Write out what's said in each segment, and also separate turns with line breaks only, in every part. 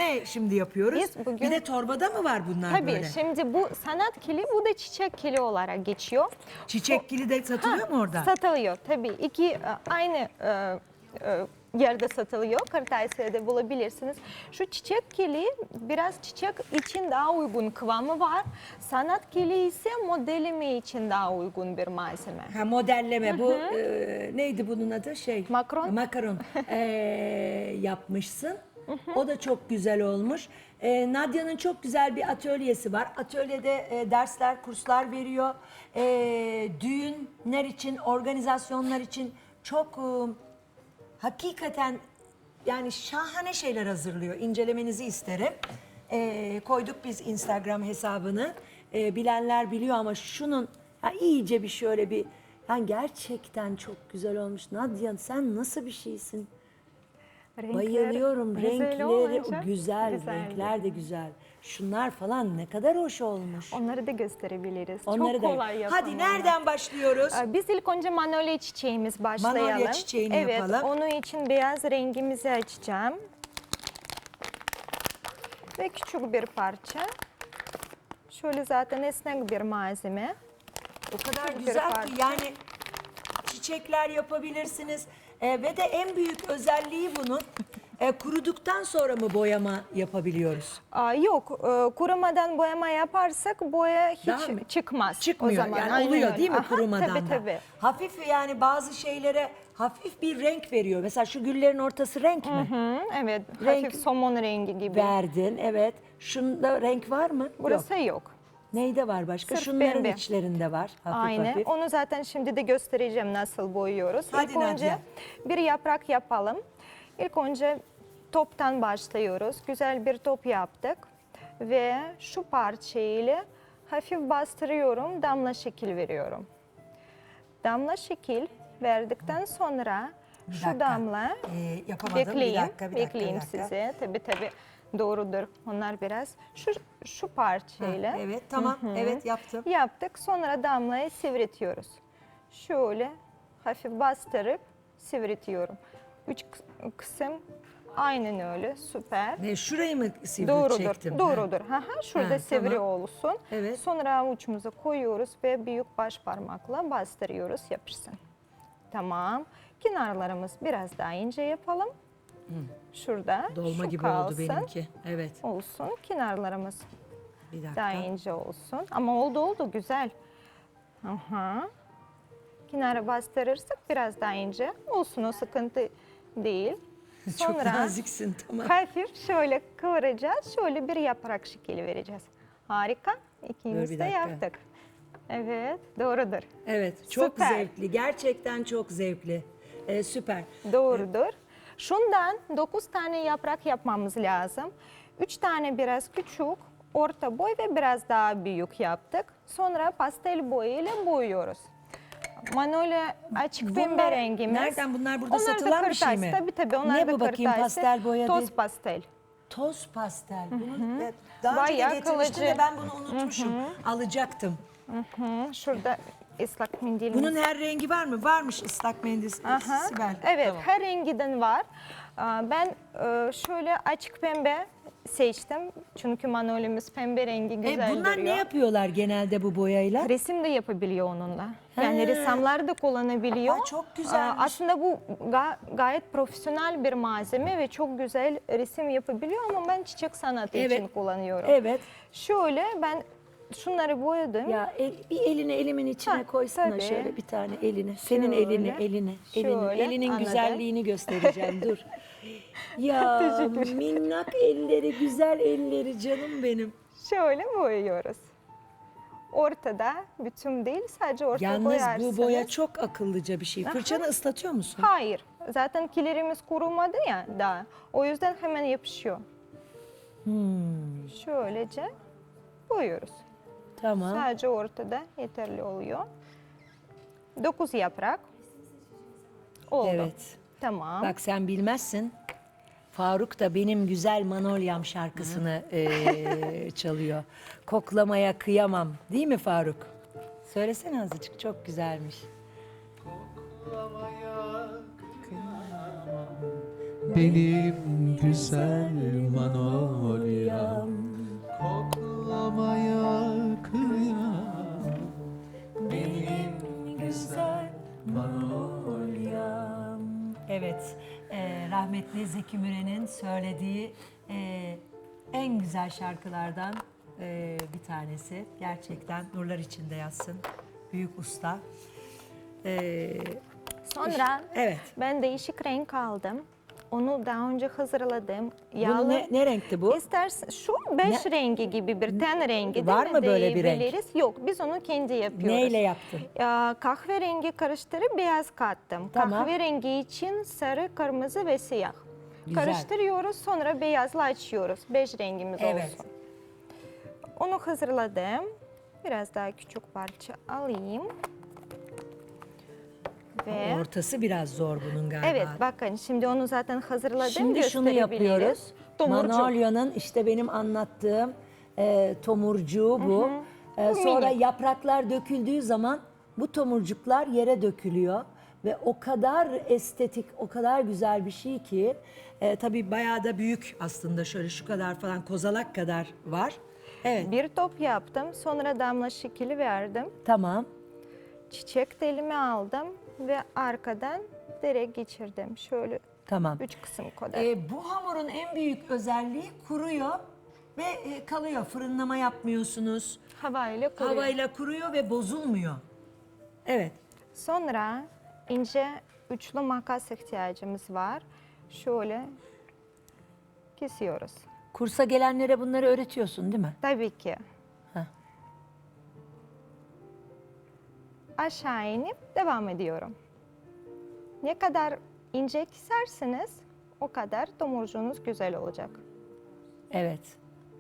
Ne şimdi yapıyoruz?
Biz bugün-
Bir de torbada mı var bunlar
Tabii
böyle?
şimdi bu sanat kili, bu da çiçek kili olarak geçiyor.
Çiçek kili de satılıyor mu orada?
Satılıyor tabii. İki aynı yerde satılıyor. Kırtasiye'de bulabilirsiniz. Şu çiçek kili biraz çiçek için daha uygun kıvamı var. Sanat kili ise modelleme için daha uygun bir malzeme.
Ha, modelleme bu neydi bunun adı
Makaron.
Makaron yapmışsın. O da çok güzel olmuş. Nadia'nın çok güzel bir atölyesi var. Atölyede dersler, kurslar veriyor. Düğünler için, organizasyonlar için çok hakikaten yani şahane şeyler hazırlıyor. İncelemenizi isterim. Koyduk biz Instagram hesabını. Bilenler biliyor ama şunun iyice bir şöyle bir yani gerçekten çok güzel olmuş. Nadia sen nasıl bir şeysin? Bayılıyorum.
güzel
Renkleri
olunca
güzel,
güzeldi.
renkler de güzel. Şunlar falan ne kadar hoş olmuş.
Onları da gösterebiliriz.
Onları
Çok
da.
kolay yapımı.
Hadi nereden başlıyoruz?
Biz ilk önce manolya çiçeğimiz başlayalım.
Manolya çiçeğini yapalım.
Evet, onun için beyaz rengimizi açacağım. Ve küçük bir parça. Şöyle zaten esnek bir malzeme.
O kadar
Küçük bir
güzel ki
parça.
yani çiçekler yapabilirsiniz. Ve de en büyük özelliği bunun kuruduktan sonra mı boyama yapabiliyoruz?
Yok, kurumadan boyama yaparsak boya hiç
Daha mı?
çıkmaz.
Çıkmıyor
O zaman.
yani
Aynen
oluyor
öyle.
değil mi
Aha,
kurumadan
tabii,
da?
tabii.
Hafif yani bazı şeylere hafif bir renk veriyor. Mesela şu güllerin ortası renk mi?
Hı, evet,
Renk-
hafif somon rengi gibi.
Verdin evet. Şunda renk var mı? Yok.
Burası yok.
Neyde var başka?
Sırf
Şunların
pembe.
içlerinde var. Hafif
Aynen.
hafif.
Onu zaten şimdi de göstereceğim nasıl boyuyoruz.
Hadi
İlk önce
Nadia.
bir yaprak yapalım. İlk önce toptan başlıyoruz. Güzel bir top yaptık. Ve şu parçayla hafif bastırıyorum. Damla şekil veriyorum. Damla şekil verdikten sonra
Bir
şu
dakika.
damla
Yapamadım.
bekleyeyim.
Bir dakika.
Bekleyeyim size. Tabii doğrudur. Onlar biraz şu parçayla.
Evet tamam. Evet yaptım.
Yaptık. Sonra damlayı sivritiyoruz. Şöyle hafif bastırıp sivritiyorum. Üç kısım aynen öyle. Süper.
Ne şurayı mı
Doğrudur.
çektim?
Doğrudur. Şurada
Ha,
sivri
tamam.
olsun.
Evet.
Sonra avucumuza koyuyoruz ve büyük baş parmakla bastırıyoruz. Yapışsın. Tamam. Kenarlarımız biraz daha ince yapalım. Şurada
Dolma
şu
gibi
kalsın.
oldu benimki. Evet.
Olsun. Kenarlarımız
Bir dakika.
daha ince olsun. Ama oldu güzel. Aha. Kenara bastırırsak biraz daha ince olsun, o sıkıntı değil.
Çok
Sonra
naziksin tamam.
hafif şöyle kıvıracağız. Şöyle bir yaprak şekli vereceğiz. Harika.
Dur
İkimiz
bir
de
dakika.
yaptık. Evet, doğrudur.
Evet çok
Süper.
zevkli. Gerçekten çok zevkli. Süper.
Doğrudur. Şundan 9 tane yaprak yapmamız lazım. 3 tane biraz küçük, orta boy ve biraz daha büyük yaptık. Sonra pastel boyayla boyuyoruz. Manolya açık pembe rengimiz.
Nereden bunlar burada
Onlar da
satılan bir şey
kırtasiye,
mi?
Tabii onlar
Ne
da
bu bakayım
kırtasiye.
pastel boya
Toz
değil.
pastel.
Toz pastel. Bunu daha önce de
Bayağı
getirmiştin
kalıcı.
de ben bunu unutmuşum. Alacaktım.
Şurada ıslak mendilimiz.
Bunun her rengi var mı? Varmış ıslak mendil. Sibel.
Evet,
Tamam.
her renginden var. Ben şöyle açık pembe seçtim. Çünkü manolyamız pembe rengi güzel
Bunlar
duruyor.
ne yapıyorlar genelde bu boyayla?
Resim de yapabiliyor onunla. Yani ressamlar da kullanabiliyor.
Ay, çok güzelmiş.
Aslında bu gayet profesyonel bir malzeme ve çok güzel resim yapabiliyor ama ben çiçek sanatı için kullanıyorum.
Evet.
Şöyle ben şunları boyadım.
Ya bir elini elimin içine
Ha,
koysana
tabii.
şöyle bir tane eline. Senin
Şöyle.
elini.
Şöyle,
Elinin
anladım.
güzelliğini göstereceğim dur. Ya minnak elleri, güzel elleri canım benim.
Şöyle boyuyoruz. Ortada bütün değil, sadece orta
Yalnız
boyarsanız.
bu boya çok akıllıca bir şey. Fırçanı ıslatıyor musun?
Hayır. Zaten kilerimiz kurumadı ya daha. O yüzden hemen yapışıyor. Şöylece boyuyoruz.
Tamam.
Sadece ortada yeterli oluyor. 9 yaprak oldu.
Evet.
Tamam.
Bak sen bilmezsin. Faruk da benim güzel Manolyam şarkısını çalıyor. Koklamaya kıyamam. Değil mi Faruk? Söylesene azıcık. Çok güzelmiş.
Benim güzel Manolyam.
Zeki Müren'in söylediği en güzel şarkılardan bir tanesi. Gerçekten nurlar içinde yatsın. Büyük usta.
Sonra
Evet.
ben değişik renk aldım. Onu daha önce hazırladım.
Bunu ne renkti bu?
İstersen şu beş rengi gibi bir ten rengi
Var
değil mi
mı böyle bir renk?
diyebiliriz. Yok, biz onu kendi yapıyoruz.
Neyle yaptın?
Kahverengi karıştırıp beyaz kattım.
Tamam.
Kahverengi için sarı, kırmızı ve siyah.
Güzel.
Karıştırıyoruz, sonra beyazla açıyoruz. Beş rengimiz
Evet.
olsun. Onu hazırladım. Biraz daha küçük parça alayım. Ve
Ortası biraz zor bunun galiba.
evet, bakın şimdi onu zaten hazırladım.
Şimdi şunu
gösterebiliriz.
yapıyoruz.
Tomurcuk.
Manolya'nın işte benim anlattığım tomurcuğu bu. Sonra
minik.
yapraklar döküldüğü zaman bu tomurcuklar yere dökülüyor. Ve o kadar estetik, o kadar güzel bir şey ki tabii bayağı da büyük aslında, şöyle şu kadar falan, kozalak kadar var. Evet,
Bir top yaptım. Sonra damla şekli verdim.
tamam.
Çiçek telimi aldım ve arkadan direkt geçirdim. Şöyle
Tamam.
3 kısım kadar.
Bu hamurun en büyük özelliği kuruyor ve kalıyor. Fırınlama yapmıyorsunuz.
Havayla kuruyor.
Havayla kuruyor ve bozulmuyor. Evet.
Sonra ince üçlü makas ihtiyacımız var. Şöyle kesiyoruz.
Kursa gelenlere bunları öğretiyorsun değil mi?
Tabii ki.
Heh.
Aşağı inip devam ediyorum. Ne kadar ince keserseniz o kadar tomurcuğunuz güzel olacak.
Evet.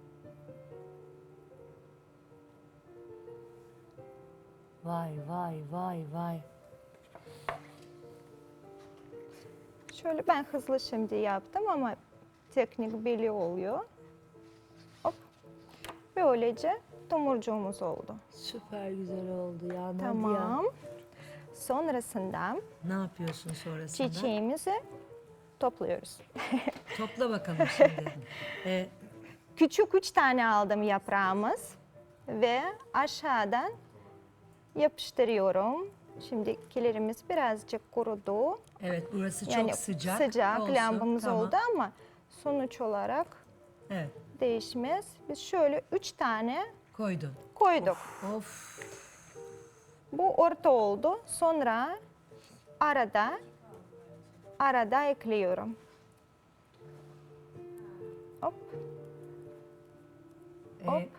Vay vay vay vay.
Şöyle ben hızlı şimdi yaptım ama teknik belli oluyor. Hop. Böylece tomurcuğumuz oldu.
Süper güzel oldu ya Nadia.
Tamam. Sonrasında
Ne yapıyorsun sonrasında?
çiçeğimizi topluyoruz.
Topla bakalım şimdi.
Küçük 3 tane aldım yaprağımız ve aşağıdan yapıştırıyorum. Şimdi kilerimiz birazcık kurudu.
Evet, burası
Yani
çok sıcak.
sıcak
Olsun,
lambamız
tamam.
oldu ama sonuç olarak
Evet,
değişmez. Biz şöyle 3 tane
koydun.
koyduk.
Of.
Bu orta oldu. Sonra arada ekliyorum. Hop. Hop.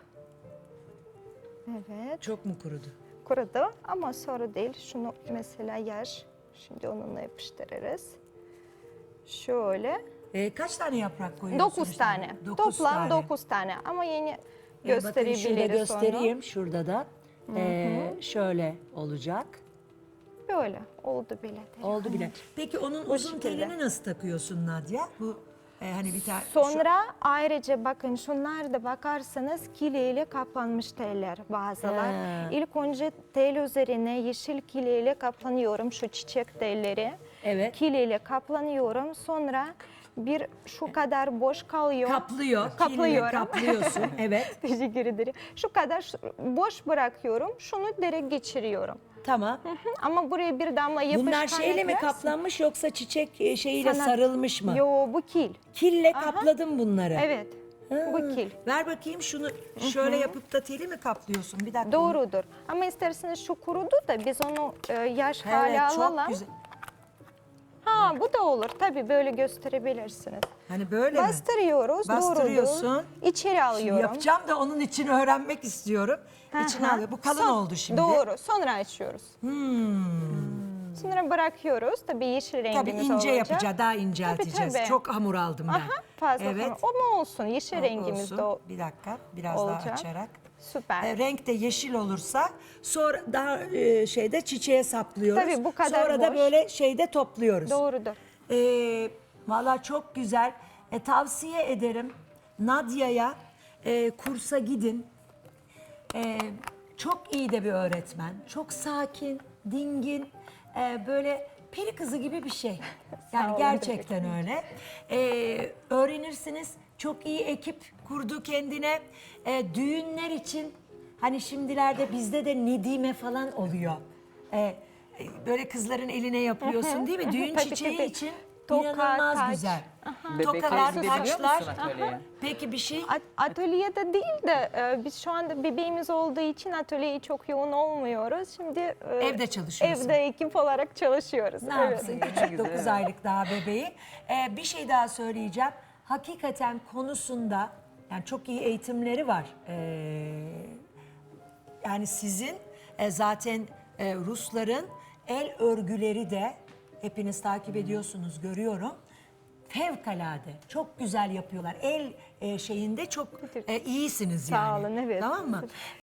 Evet.
Çok mu kurudu?
Kurudu ama sorun değil. Şunu mesela yaş. Şimdi onunla yapıştırırız. Şöyle.
Kaç tane yaprak koyuyorsun?
9 tane.
Dokuz
Toplam
tane.
9 tane. Ama yeni
Bakın şurada
gösterebiliriz
göstereyim. Şurada da. Şöyle olacak.
onu. Böyle oldu bile.
Oldu bile. Peki onun uzun
şekilde.
telini nasıl takıyorsun Nadia? Bu hani bir tane...
Sonra ayrıca bakın şunlar da bakarsanız kileyle kaplanmış teller bazılar.
He.
İlk önce tel üzerine yeşil kileyle kaplanıyorum şu çiçek telleri.
Evet.
Kileyle kaplanıyorum. Sonra bir şu kadar boş kalıyor.
Kaplıyorum. Kaplıyorsun. Evet.
Teşekkür ederim. Şu kadar boş bırakıyorum. Şunu direkt geçiriyorum.
Tamam.
Ama buraya bir damla yapışkan
Bunlar şeyle mi
eklersin.
kaplanmış yoksa çiçek şeyiyle
Sanat-
sarılmış mı?
Yo, bu kil.
Kille kapladım bunları.
Evet. Bu kil.
Ver bakayım şunu, şöyle yapıp da teli mi kaplıyorsun? Bir dakika.
Doğrudur. Ama isterseniz şu kurudu da biz onu yaş
Evet,
hale
çok
alalım.
güzel.
Ha, bu da olur. Tabii böyle gösterebilirsiniz.
Hani böyle mi?
Bastırıyoruz.
Bastırıyorsun.
Doğrudur. İçeri alıyorum.
Yapacağım da onun için öğrenmek istiyorum. İçine
Aha.
alıyor. Bu kalın oldu şimdi.
Doğru. Sonra açıyoruz. Sonra bırakıyoruz. Tabii yeşil rengimiz
Tabii ince
olacak.
yapacağız, daha incelteceğiz.
tabii.
Çok hamur aldım ben.
Aha, fazla
Evet.
hamur. O mu olsun? Yeşil rengimiz
Olsun.
de o.
Bir dakika, biraz
olacak.
daha açarak.
Süper.
Renk de yeşil olursa sonra daha şeyde çiçeğe saplıyoruz.
Tabii, bu kadar
Sonra da
boş.
böyle şeyde topluyoruz.
Doğrudur.
Valla çok güzel. Tavsiye ederim Nadia'ya kursa gidin. Çok iyi de bir öğretmen. Çok sakin, dingin, böyle peri kızı gibi bir şey. Yani
olun,
gerçekten öyle. Öğrenirsiniz. Çok iyi ekip kurdu kendine. Düğünler için hani şimdilerde bizde de Nedime falan oluyor. Böyle kızların eline yapıyorsun değil mi? Düğün
Tabii,
çiçeği
tabii.
için
Toka,
inanılmaz
taç.
güzel. tokalar,
gidebiliyor
taçlar.
musun atölyeye?
Peki bir şey?
Atölyede değil de biz şu anda bebeğimiz olduğu için atölyeye çok yoğun olmuyoruz. Şimdi
Evde çalışıyorsun.
Evde ekip olarak çalışıyoruz.
Ne
Evet.
yapsın küçük 9 aylık daha bebeği. Bir şey daha söyleyeceğim. Hakikaten konusunda yani çok iyi eğitimleri var. Yani sizin zaten Rusların el örgüleri de hepiniz takip ediyorsunuz görüyorum. Fevkalade çok güzel yapıyorlar. El şeyinde çok iyisiniz yani.
Sağ olun, evet.
Tamam mı?